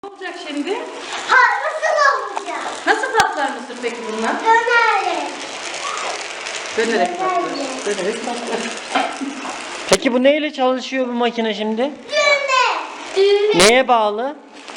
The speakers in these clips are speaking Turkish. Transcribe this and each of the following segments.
Ne olacak şimdi? Nasıl olacak? Nasıl patlar mısır peki bunlar? Dönerek. Dönerek patlar. Dönerek patlar. Peki bu neyle çalışıyor bu makine şimdi? Düğme. Neye bağlı?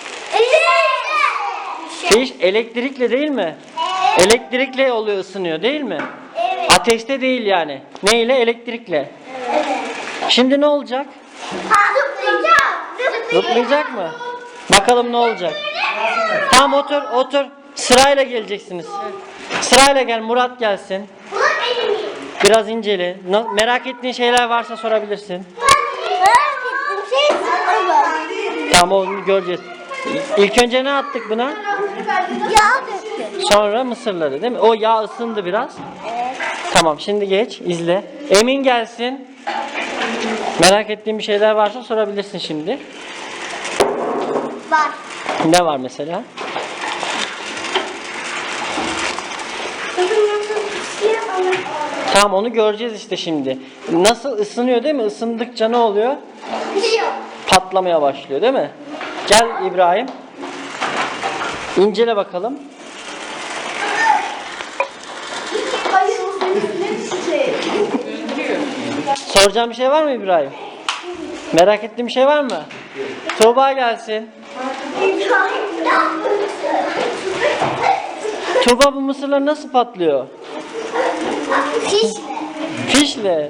Elektrikle. Şey, elektrikle değil mi? Evet. Elektrikle oluyor, ısınıyor değil mi? Evet. Ateşte değil yani. Neyle? Elektrikle. Evet. Şimdi ne olacak? Zıplayacak. Zıplayacak mı? Bakalım ne olacak? Tamam, otur otur. Sırayla geleceksiniz. Sırayla gel, Murat gelsin. Bu benim. Biraz incele. Merak ettiğin şeyler varsa sorabilirsin. Merak ettiğim şey sıfır. Tamam, onu göreceğiz. İlk önce ne attık buna? Yağ döktüm. Sonra mısırları değil mi? O yağ ısındı biraz. Evet. Tamam, şimdi geç, izle. Emin gelsin. Merak ettiğin bir şeyler varsa sorabilirsin şimdi. Var. Ne var mesela? Tamam, onu göreceğiz işte şimdi. Nasıl ısınıyor değil mi? Isındıkça ne oluyor? Pişiyor. Patlamaya başlıyor değil mi? Gel İbrahim. İncele bakalım. Soracağım bir şey var mı İbrahim? Merak ettiğin bir şey var mı? Tuğba gelsin. Tuğba, bu mısırlar nasıl patlıyor? Fişle. Fişle.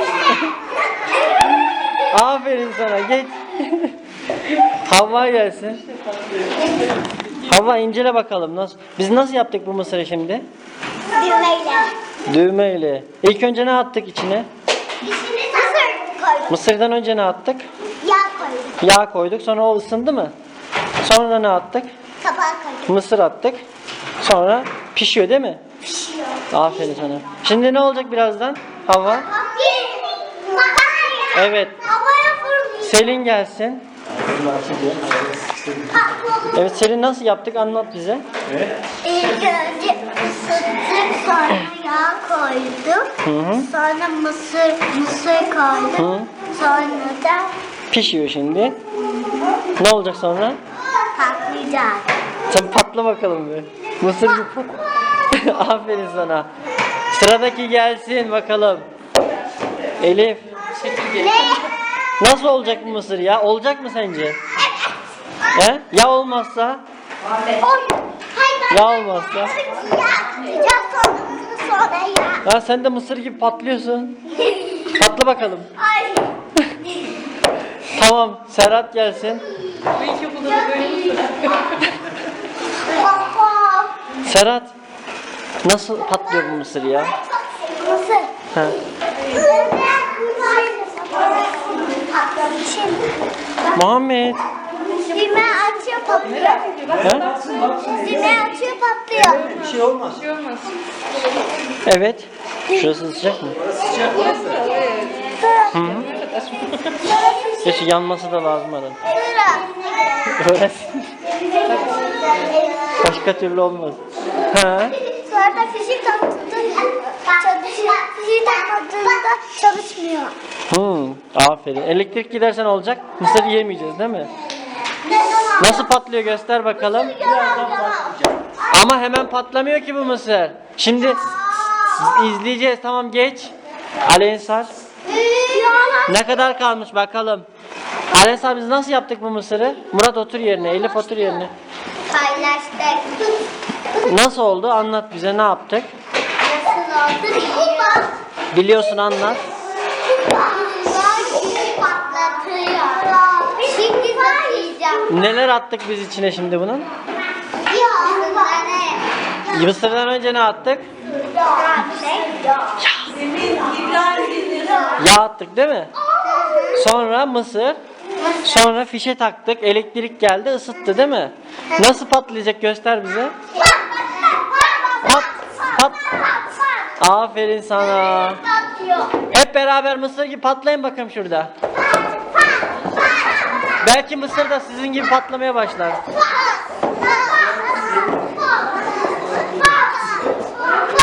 Aferin sana, geç. Havva gelsin. Havva, incele bakalım nasıl. Biz nasıl yaptık bu mısırı şimdi? Düğmeyle. Düğmeyle. İlk önce ne attık içine? Mısır koydum. Mısırdan önce ne attık? Yağ koydum. Yağ koyduk. Sonra o ısındı mı? Sonra ne attık? Kapağı koydum. Mısır attık. Sonra pişiyor değil mi? Pişiyor. Aferin sana. Şimdi ne olacak birazdan? Havva? Evet. Havaya fırlıyor. Selin gelsin. Evet, Selin nasıl yaptık? Anlat bize. İlk önce ısıttık, sonra yağ koyduk. Hı. Sonra mısır koyduk. Hı. Sonra da Pişiyor şimdi. Ne olacak sonra? patlayacak. Sen patla bakalım bir. Mısır gibi pat. Aferin sana. Sıradaki gelsin bakalım. Elif. Ne? Nasıl olacak bu mısır ya? Olacak mı sence? He? Ya olmazsa? Ya olmazsa? Yağ atacağız, sonra mısır, sonra yağ. Ya sen de mısır gibi patlıyorsun. Patla bakalım. Ay. Tamam, Serhat gelsin. Bu ilkokulda da böyle mısır. Baba. Serhat, nasıl patlıyor bu mısır ya? Mısır. Ha. Muhammed. Düğme açıyor, patlıyor. Ha? Düğme açıyor, patlıyor. Bir şey olmaz. Bir şey olmaz. Evet. Şurası sıcak mı? Hı -hı. Keşke yanması da lazım adam. Öğrensin. Başka türlü olmaz. Ha? Sonra da fişi taktığında çalışıyor. Fişi takmadığında çalışmıyor. Aferin. Elektrik gidersen olacak. Mısır yiyemeyeceğiz değil mi? Nasıl patlıyor, göster bakalım. Ama hemen patlamıyor ki bu mısır. Şimdi izleyeceğiz. Tamam, geç. Alensar. Ne kadar kalmış bakalım. Alensar, biz nasıl yaptık bu mısırı? Murat otur yerine. Elif otur yerine. Paylaştık. Nasıl oldu? Anlat bize, ne yaptık? Nasıl oldu? Biliyorsun, anlat. Patlatıyor. Şimdi zıplayacağım. Neler attık biz içine şimdi bunun? Mısırdan önce ne attık? Yağ attık değil mi? Sonra mısır. Sonra fişe taktık. Elektrik geldi, ısıttı değil mi? Nasıl patlayacak, göster bize. Pat pat. Aferin sana. Hep beraber mısır gibi patlayın bakalım şurada. Belki mısır da sizin gibi patlamaya başlar.